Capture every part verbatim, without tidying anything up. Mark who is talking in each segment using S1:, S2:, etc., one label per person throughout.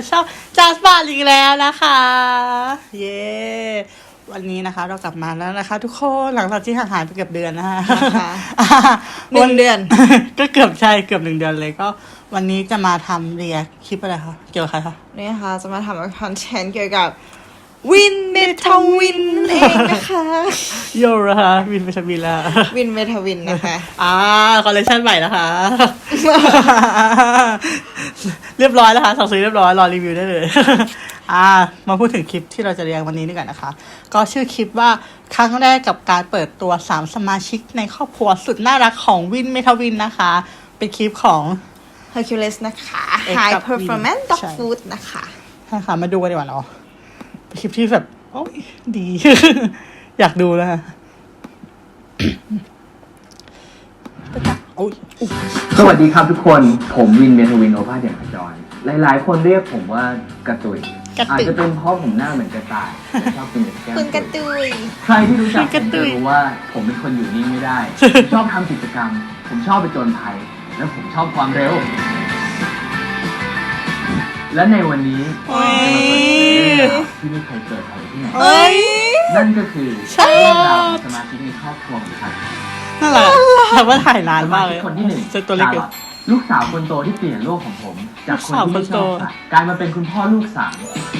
S1: ช่องจัสบาร์อีกแล้วนะคะเย้วันนี้นะคะเรากลับมาแล้วนะคะทุกคนหลังจากที่ห่างหายไปเกือบเดือนนะคะ
S2: หนึ่งเดือน
S1: ก็เกือบใช่เกือบหนึ่งเดือนเลยก็วันนี้จะมาทำเรียกคลิปอะไรคะเกี่ยวกับใครคะ
S2: นี่นะคะจะมาทำคอนเทนต์เกี่ยวกับวินเมทาวินเองนะคะ
S1: โยนะคะวินเมทาวินละ
S2: วินเมทาวินนะคะ
S1: อ่าคอลเลคชันใหม่นะคะเรียบร้อยแล้วค่ะสั่งซื้อเรียบร้อยรอรีวิวได้เลยอ่ามาพูดถึงคลิปที่เราจะเรียงวันนี้ดีกว่านะคะก็ชื่อคลิปว่าครั้งแรกกับการเปิดตัวสามสมาชิกในครอบครัวสุดน่ารักของวินเมทาวินนะคะเป็นคลิปของ
S2: Hercules นะคะ High Performance Dog Food นะคะ
S1: ใช่ค่ะมาดูกันดีกว่าเนาะเป็นคลิปที่แบบโอ้ยดี อยากดูแล้วค่ะ
S3: สวัสดีครับทุกคนผมวินเมทาวินโอภาสเด่นขจรหลายๆคนเรียกผมว่ากระตุยอาจจะเป็นเพราะผมหน้าเหมือนกระต่ายและชอบกินแต่แก้ม
S2: คุณกระตุย
S3: ใครที่รู้จักผมจะรู้ว่าผมเป็นคนอยู่นิ่งไม่ได้ผมชอบทำกิจกรรมผมชอบไปจนภัยและผมชอบความเร็วและในวันนี้จะมาเปิดเผยเรื่องราวที่ไม่เคยเกิดอะไรที่ไหนนั่นก็คือเรื่องราวของสมาชิกในครอบครัวของฉัน
S1: นั่นแหละแต่ว่าถ่ายนานมากเลย
S3: คนที่หนึ่ง
S1: เจอตัวเล็ก
S3: ลูกสาวคนโตที่เปลี่ยนโลกของผมจากคนที่ไม่ชอบสัตว์กลายมาเป็นคุณพ่อลูกสาม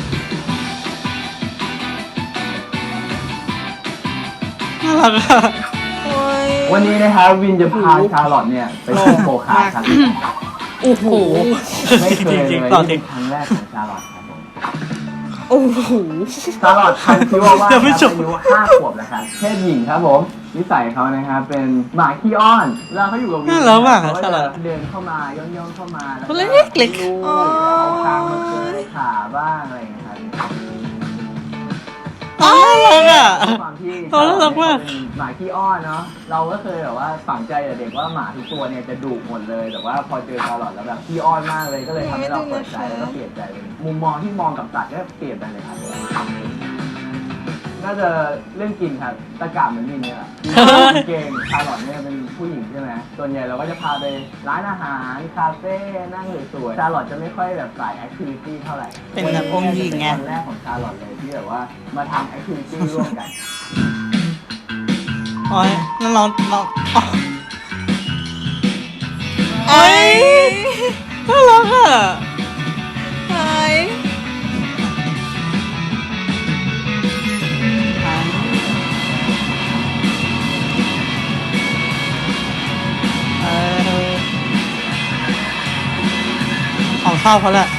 S1: น่ารักอะ
S3: วันนี้นะครับวินจะพาชาร์ลอตเนี่ยไปชิมโปคาครับ
S1: โอ้โห
S3: ไม่เคยเลย
S1: ตอน
S3: เป็นครั้งแรกของชาร์ลอตครับผม
S2: โอ้โห
S3: ชาร์ลอตพันชิวาว่าอายุห้าขวบแล้วครับเพศหญิงครับผมนิสัยเขานะครับเป็นหมาขี้อ้อนเวลาเขาอยู่กับวินเขาจะเดินเข้ามาย่องๆเข้ามา
S1: แล้วเล็กเล็ก
S3: เอาทางมาเกยขาบ้างอะไรอย่างเงี้ยครับ
S1: น่ารักอ่ะ
S3: ความที่
S1: น่ารักมาก
S3: หมาขี้อ้อนเนาะเราก็เคยแบบว่าฝังใจแต่เด็กว่าหมาทุกตัวเนี่ยจะดุหมดเลยแต่ว่าพอเจอชาร์ลอตแล้วแบบขี้อ้อนมากเลยก็เลยทำให้เราเปิดใจแล้วก็เปลี่ยนใจเลยมุมมองที่มองกับสัตว์ก็เปลี่ยนไปเลยครับน่าจะเรื่องกินครับตะกาบเหมือนมินเนี่ยแหละเก่งชาร์ลอตเนี่ยเป็นผู้หญิงใช่ไหมส่วนใหญ่เราก็จะพาไปร้านอาหารคาเฟ่นั่งสวยๆชาร์ลอตจะไม่ค่อยแบบสายแอคทิวิตี้เท่าไหร่
S1: เป็นแบบองค์หญิงไง
S3: วันแรกของชาร์ลอตเลยที่แบบว่ามาทำแอคทิวิตี้ร่วมกัน
S1: โอ้ยนั่นน้องน้องโอ้ยน่ารักอ่ะ
S2: ไฮ
S1: ของข้าวเขาแหละ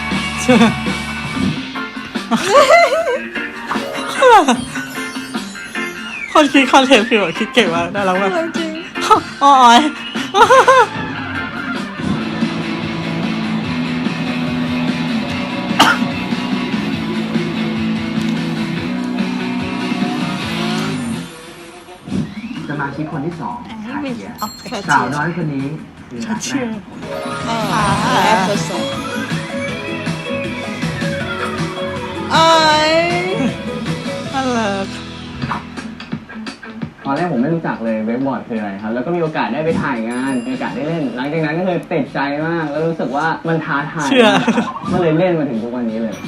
S1: คนคิดคอนเทนต์คือแบบคิดเก่งมากน่ารักมาก
S2: จริง
S1: อ๋อย
S3: สมาชิกคนที่สองคาเทียสาวน้อยคนนี้คือรักแรก
S2: แอปเปิลสองไอ้
S1: น่ารัก
S3: ตอนแรกผมไม่รู้จักเลยเวกบอร์ดคืออะไรครับแล้วก็มีโอกาสได้ไปถ่ายงานมีโอกาสได้เล่นหลังจากนั้นก็คือติดใจมากแล้วรู้สึกว่ามันท้าทายก็เลยเล่นมาถึงทุกวันนี้เลย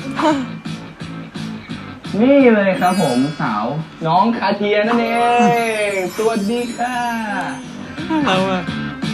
S3: นี่เลยครับผมสาวน้องคาเทียนั่นเองสวัสดีค่ะ
S1: น่ารักอ่ะ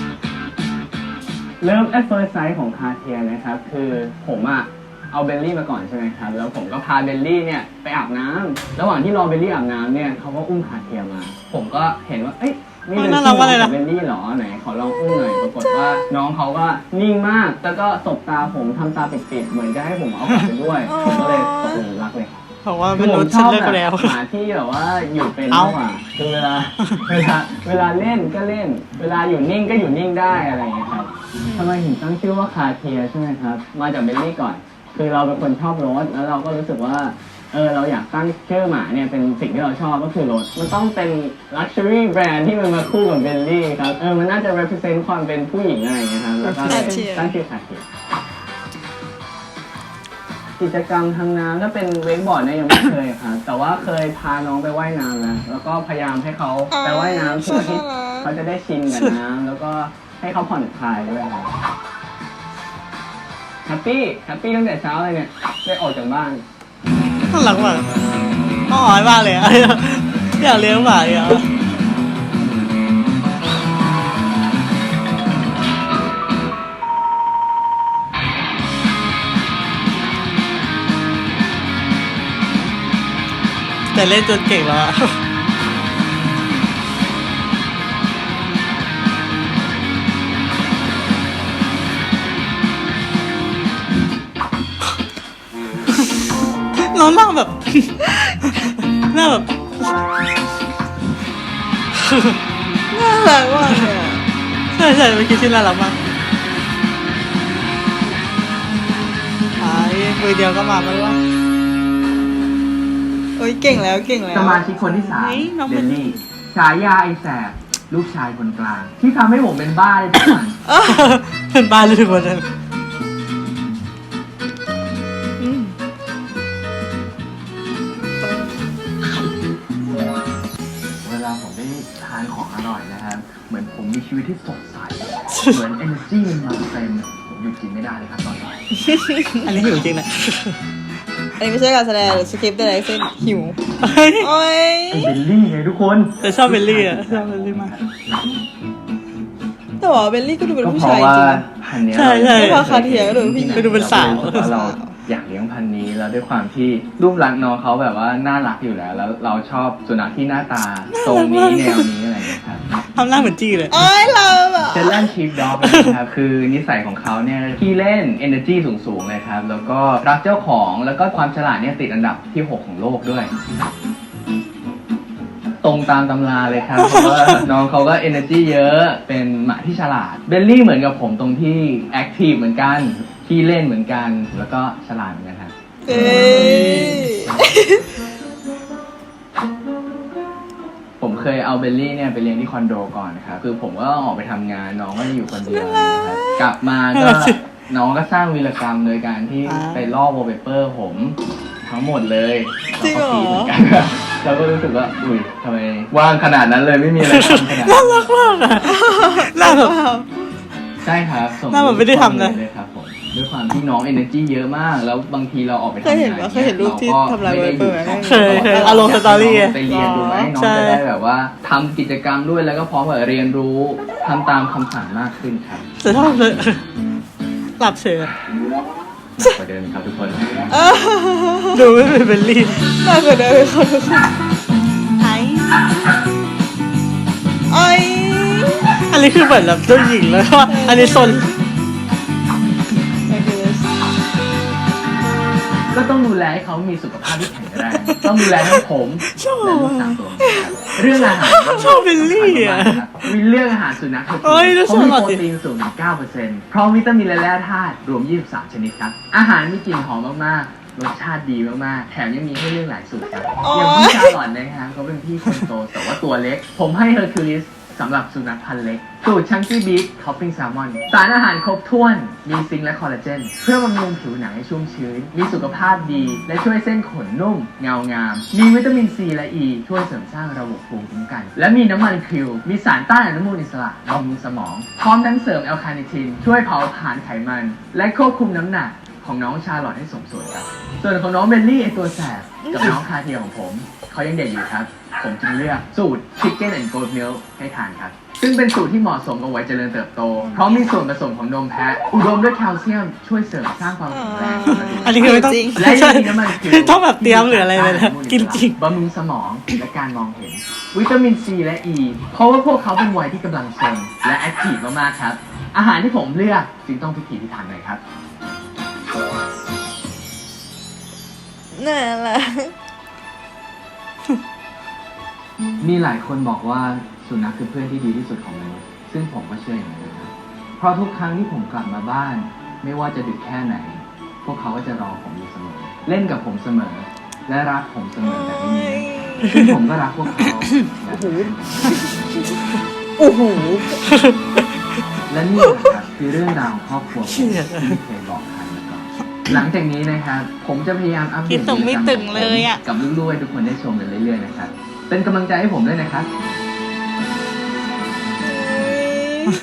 S3: เริ่มแอดเฟิร์สไซส์ของคาเทียนะครับคือผมอะเอาเบลลี่มาก่อนใช่ไหมครับแล้วผมก็พาเบลลี่เนี่ยไปอาบน้ำระหว่างที่รอเบลลี่อาบน้ำเนี่ยเขาก็อุ้มคาเทียมาผมก็เห็นว่าเอ้ยนี่เป็นที่ของเบลลี่เหรอไหนขอลองอุ้มหน่อยปรากฏว่าน้องเขาก็นิ่งมากแล้วก็สบตาผมทำตาปิดๆเหมือนจะให้ผมเอากลับไปด้วยผมก็เลยตกหลุมรักเลย
S1: เพราะว่าเป็นรถฉันเลิกแล้ว
S3: หมาที่แบบว่าอยู่เป็นมากกว่าคือเวลาเวลาเวลาเล่นก็เล่นเวลาอยู่นิ่งก็อยู่นิ่งได้อะไรอย่างเงี้ยครับทำไมถึงตั้งชื่อว่าคาเทียใช่ไหมครับมาจากเบลลี่ก่อนคือเราเป็นคนชอบรถแล้วเราก็รู้สึกว่าเออเราอยากตั้งชื่อหมาเนี่ยเป็นสิ่งที่เราชอบก็คือรถมันต้องเป็น luxury brand ที่มันมาคู่กับเบลลี่ครับเออมันน่าจะ represent ความเป็นผู้หญิงอะไรอย่างเงี้ยครับแล้วก็ตั้งชื่อคาเทียกิจกรรมทางน้ำถ้าเป็นเวกบอร์ดเนี่ยยังไม่เคยครับแต่ว่าเคยพาน้องไปว่ายน้ำนะแล้วก็พยายามให้เขาไปว่ายน้ำเพื่อที่เขาจะได้ชินกับน้ำแล้วก็ให้เขาผ่อนคลายด้วยครับแฮปปี้แฮปปี้ตั้งแต่เช้าเลยเนี่ยได้ออกจากบ้าน
S1: น่ารักมากน่ารักมากเลยอะอยากเลี้ยงหมาอ่ะแต่เล่นจนเก่งแล้วอะน้องนั่งแบบ หน้าแบบ
S2: น่ารักมากเลยอะ
S1: ใช่ใช่เมื่อกี้ชื่อน่ารักมากไอ้มือเดียวก็มาแล้ววะ
S2: โอ้ยเก่งแล้วเก่งแล้ว
S3: สมาชิกคนที่สาม
S1: เฮ้ยน้อง
S3: เด
S1: เป็น
S3: ลลี่ฉายาไอแสบลูกชายคนกลาง ที่ทำให้ผมเป็นบ้าได้ทุกวัน
S1: เป็นบ้านเลยทุกคนเลย
S2: อืม
S3: เวลาผมได้ทานของอร่อยนะครับ เหมือนผมมีชีวิตที่สดใส เหมือน energy มันมาเต็มผมหยุดกินไม่ได้เลยครับตอนนี้
S1: อันนี้หิวจริงนะ
S2: อันนี้ไม่ใช่การแสดงหรือสคริปต์อะไรทั้งสิ้นหิว
S1: เฮ้ย
S2: โอ้ย
S3: ไอเบลลี่ไงทุกคน
S1: แต่ชอบเบลลี่อะชอบเบลลี่มาก
S2: แต่ว่าเบลลี่ก็ดูเป็น
S3: ก็
S2: ผู้
S3: เพ
S2: ชาย
S3: ราะ
S2: จ
S3: ว่า
S2: ริงนะ
S3: พันธุ์เนี้ย
S1: ใช่ใช่
S2: ไม่ว่าคาเทียก็ดูเป็นผู้หญิง
S1: ก็ดูเป็นสาว
S3: รู้สึกว่าเราอยากเลี้ยงพันธุ์นี้แล้วด้วยความที่รูปลักษณ์น้องเขาแบบว่าน่ารักอยู่แล้ว แล้วเราชอบสุนัขที่หน้าตาทรงนี้แนวนี้อะไรอย่างเงี้ยครับ
S1: ทำหน้าเหมือนจี้เลย
S2: โอ้ยเราแบบ
S3: เจลแลนชีฟด็อกนะครับ คือนิสัยของเขาเนี่ยขี้เล่น energy สูงๆเลยครับ แล้วก็รักเจ้าของแล้วก็ความฉลาดเนี่ยติดอันดับที่หกของโลกด้วย ตรงตามตำราเลยครับ เพราะว่าน้องเขาก็ energy เยอะเป็นหมาที่ฉลาดเบลลี่เหมือนกับผมตรงที่ active เหมือนกันขี้เล่นเหมือนกันแล้วก็ฉลาดเหมือนกันครับ
S2: เอ้ย
S3: ผมเคยเอาเบลลี่เนี่ยไปเลี้ยงที่คอนโดก่อนนะครับคือผมก็ออกไปทำงานน้องก็จะอยู่คนเดียวนะครับกลับมาก็น้องก็สร้างวีรกรรมโดยการที่
S1: อ่า
S3: ไปลอกวอลเปเปอร์ผมทั้งหมดเลย
S2: จริงเหรอ
S3: แล้วก็ฟีดเหมือนกันเราก็รู้สึกว่าอุ้ยทำไมว่างขนาดนั้นเลยไม่มีอะไรทำขนาด
S1: น่า
S3: นั้น
S1: รักมากอะหน้าแบบ
S3: ใช่ครับส่ง
S1: หน้าเหมือนไม่ได้ทำเลย
S3: เลยครับผมด้วยความที่น้อง energy เยอะมาก แล้วบางทีเราออกไปทำ
S2: เคย
S3: งาน
S2: เห็นปะเคยเห็นรูปที่ทำลาย Viper ไหม
S1: เคยเคยเอาลงสตอรี่อะ
S3: ไปเรียนดูไหมน้อง
S1: ใช่
S3: จะได้แบบว่าทำกิจกรรมด้วยแล้วก็พร้อมกับเรียนรู้ทำตามคำสั่งมากขึ้นครับ
S1: จะชอบเลยหลับเฉย
S3: หนักกว่าเดิมครับทุกคน
S2: เออ
S1: ดูไม่เป็นเบลลี่
S2: น่ากว่าเดิมเลยคนทุกคน
S1: ไอ้
S2: โอ้ย
S1: อันนี้คือเหมือนแบบเจ้าหญิงเลยว่าอันนี้โซน
S3: ก็ต้องดูแลให้เขามีสุขภาพที่แข็งแรงต้องดูแลทั้งผมและลูกสาวตัวนี้ครับเรื่องอาหาร
S1: ชอบเบลลี่อะ
S3: มีเรื่องอาหารสุนัข
S1: เอ้ยแล้ว
S3: เขามี
S1: ชอบ
S3: โปรตีนสูงถึง เก้าเปอร์เซ็นต์ พร้อมวิตามินและแร่ธาตุรวม ยี่สิบสาม ชนิดครับ อาหารมีกลิ่นหอมมากๆ รสชาติดีมากๆ แถมยังมีให้เลือกหลายสูตรครับ อย่างพี่ชาลอตนะครับเขาเป็นพี่คนโตแต่ว่าตัวเล็ก ผมให้เฮอร์คิวลิสสำหรับสุนัขพันธุ์เล็ก สูตรชังกี้บีฟท็อปปิ้งแซลมอน สารอาหารครบถ้วน มีซิงค์และคอลลาเจน เพื่อบำรุงผิวหนังให้ชุ่มชื้น มีสุขภาพดี และช่วยเส้นขนนุ่ม เงางาม มีวิตามินซีและอ e, ีช่วยเสริมสร้างระบบภูมิคุ้มกัน และมีน้ำมันคิว มีสารต้านอนุมูลอิสระบำรุงสมอง พร้อมทั้งเสริมแอลคาเนทิน ช่วยเผาผลาญไขมัน และควบคุมน้ำหนักของน้องชาลอตให้สมส่วนครับ ส่วนของน้องเบลลี่ไอตัวแสบกับน้องคาเทียของผม เขายังเด็กอยู่ครับ ผมจึงเลือกสูตร Chicken and Goat Milk ให้ทานครับ ซึ่งเป็นสูตรที่เหมาะสมกับวัยเจริญเติบโต เพราะมีส่วนผสมของนมแพะ อุดมด้วยแคลเซียม ช่วยเสริมสร้างความแข็งแรงของกระดูก
S1: อันนี้คือไม่ต้อง
S2: จริง
S3: และยังมีน้ำมันคิว
S1: ไม่ต้องแบบเตรียมหรืออะไรเลยนะกินจริง
S3: บำรุงสมองและการมองเห็น วิตามินซีและอ e, ีเพราะว่าพวกเขาเป็นวัยที่กำลังซนและแอคทีฟมากๆครับ อาหารที่ผมเลือกจึงต้องพิถีพิถันหน่อยครับ
S2: น่ารัก
S3: มีหลายคนบอกว่าสุนัขคือเพื่อนที่ดีที่สุดของมนุษย์ซึ่งผมก็เชื่ออย่างนั้นนะครับเพราะทุกครั้งที่ผมกลับมาบ้าน ไม่ว่าจะดึกแค่ไหน พวกเขาก็จะรอผมอยู่เสมอ เล่นกับผมเสมอ และรักผมเสมอแบบนี้ซึ่งผมก็รักพวกเขาแบบนี้
S2: โอ้โห
S3: และนี่แหละครับคือเรื่องราวของครอบครัวผมที่ไม่เคยบอกใครมาก่อนหลังจากนี้นะครับผมจะพยายามอัปเด
S1: คิ
S3: ต
S1: ดตรงไม่ตึงเลยอะ
S3: กับลูกๆให้ทุกคนได้ชมกันเรื่อยๆนะครับเป็นกำลังใจให้ผมด้วยนะครับ
S2: ด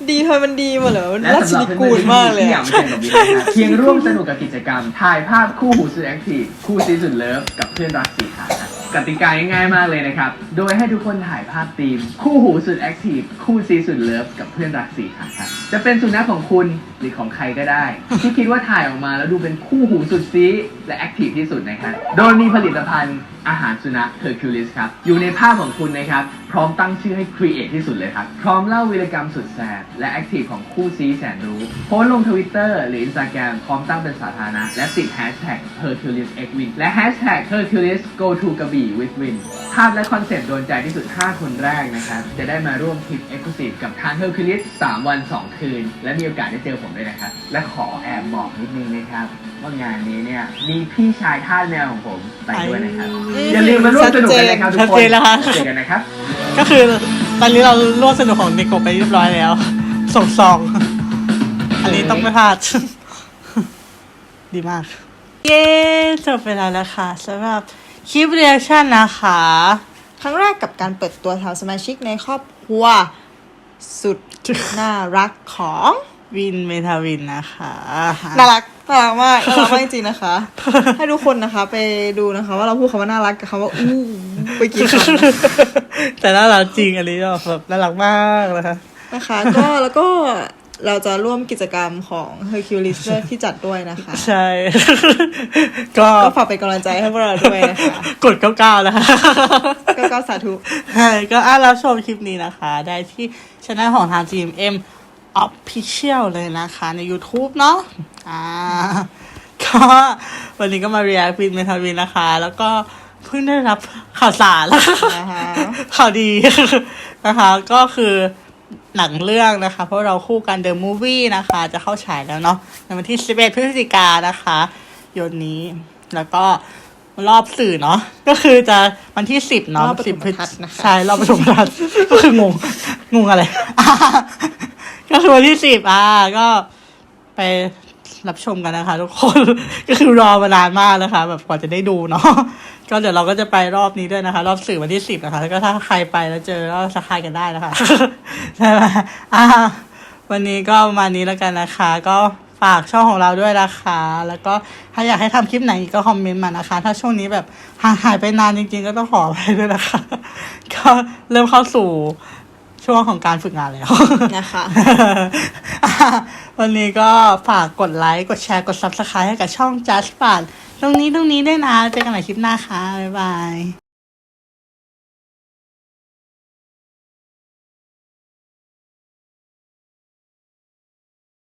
S2: ดีทำไมมันดีหมาเหรอมัน
S3: และ
S2: ราช
S3: สำหรับ
S2: นิ
S3: เพื่
S2: กู
S3: อน
S2: ล
S3: ๆ
S2: มากเลย
S3: ที่อยา
S2: อะ
S3: กมาแข่งกับวินนะครับเพียงร่วมสนุกกับกิจกรรมถ่ายภาพคู่หูสุดแอคทีฟคู่ซีสุดเลิฟกับเพื่อนรักสี่ขาครับกติกาง่ายๆมากเลยนะครับโดยให้ทุกคนถ่ายภาพธีมคู่หูสุดแอคทีฟคู่ซีสุดเลิฟกับเพื่อนรักสี่ขาครับจะเป็นสุนัขของคุณหรือของใครก็ได้ ที่คิดว่าถ่ายออกมาแล้วดูเป็นคู่หูสุดซีและแอคทีฟที่สุดนะครับโดยมีผลิตภัณฑ์อาหารสุนัข Hercules ครับอยู่ในภาพของคุณนะครับพร้อมตั้งชื่อให้ครีเอทที่สุดเลยครับพร้อมเล่าวีรกรรมสุดแสบและแอคทีฟของคู่ซีแสนรู้โพสต์ลง Twitter หรือ Instagram พร้อมตั้งเป็นสาธารณะและติด Hashtag Hercules X Win และ Hashtag Hercules Go to กระบี่ with Win ภาพและคอนเซ็ปต์โดนใจที่สุดห้าคนแรกนะครับจะได้มาร่วมทริป Exclusive กับทาง Hercules สามวันสองคืนและมีโอกาสได้เจอผมด้วยนะครับและขอแอบบอกนิดนึงนะครับว่างานนี้เนี่ยมีพี่ชายทาสแมวของผมไปด้วยนะครับ อย่าลืมมาร่วมสนุกกันนะครับทุก
S1: ชัด
S3: คน
S1: เจนแล้วค่ะ
S3: เจอกันนะครับ
S1: ก็คือตอนนี้เราร่วมสนุกของเนโกะไปเรียบร้อยแล้ว ส่งซอง อันนี้ต้องไม่พลาด ดีมาก เย้จบไปแล้วนะคะสำหรับคลิปเรีแอคชั่นนะคะ
S2: ครั้งแรกกับการเปิดตัวทางสมาชิกในครอบครัวสุดน่ารักของ
S1: วินเมทาวินนะคะ
S2: น่ารักน่ารักมากน่ารักมากจริงๆนะคะ ให้ทุกคนนะคะไปดูนะคะ ว่าเราพูดคำว่าน่ารักกับคำว่าอู้ไปกี่คำ
S1: แต่น่ารักจริงอันนี้แบบน่ารักมากนะคะ
S2: นะคะ ก็แล้วก็เราจะร่วมกิจกรรมของ Hercules ด้วยที่จัดด้วยนะคะ
S1: ใช่ ก็
S2: ก็ฝากเป็นกำลังใจให้พวกเราด้วยนะคะ
S1: กดเก้าเก้านะคะ
S2: ก็ก็สาธุ
S1: ใช่ก็อ่ะรับชมคลิปนี้นะคะ ได้ที่ช่องของทาง จี เอ็ม เอ็ม Official เลยนะคะ ใน YouTube เนาะอ่า ก็วันนี้ก็มา react วินเมทาวินนะคะ แล้วก็เพิ่งได้รับข่าวสารแล้ว
S2: นะคะ
S1: ข่าวดี นะคะ ก็คือหนังเรื่องนะคะ เพราะเราคู่กัน The Movie นะคะ จะเข้าฉายแล้วเนาะในวันที่สิบเอ็ดพฤศจิกายนนะคะยนนี้แล้วก็รอบสื่อเนาะก็คือจะวันที่สิบเนาะ
S2: รอบปฐ
S1: สิบ
S2: ม
S1: พฤศ
S2: ทัศน์นะคะ
S1: ใช่รอบปฐมทัศน์ ก็คืองงงงอะไร ก็คือวันที่สิบอ่าก็ไปรับชมกันนะคะ ทุกคน ก็คือรอมานานมากนะคะ แบบกว่าจะได้ดูเนาะ ก็เดี๋ยวเราก็จะไปรอบนี้ด้วยนะคะ รอบสื่อวันที่สิบนะคะแล้วก็ถ้าใครไปแล้วเจอก็สักทายกันได้นะคะ ใช่ไหมอ่าวันนี้ก็ประมาณนี้แล้วกันนะคะ ก็ฝากช่องของเราด้วยนะคะ แล้วก็ถ้าอยากให้ทำคลิปไหนอีกก็คอมเมนต์มานะคะ ถ้าช่วงนี้แบบห่างหายไปนานจริงๆ ก็ต้องขอไปด้วยนะคะ ก็เริ่มเข้าสู่ช่วงของการฝึกงานแล้ว
S2: นะคะ
S1: อ่ะวันนี้ก็ฝากกดไลค์ กดแชร์ กด ซับสไครบ์ ให้กับช่อง Just ป่านตรงนี้ตรงนี้ด้วยนะ เจอกันใหม่คลิปหน้าค่ะ บ๊ายบาย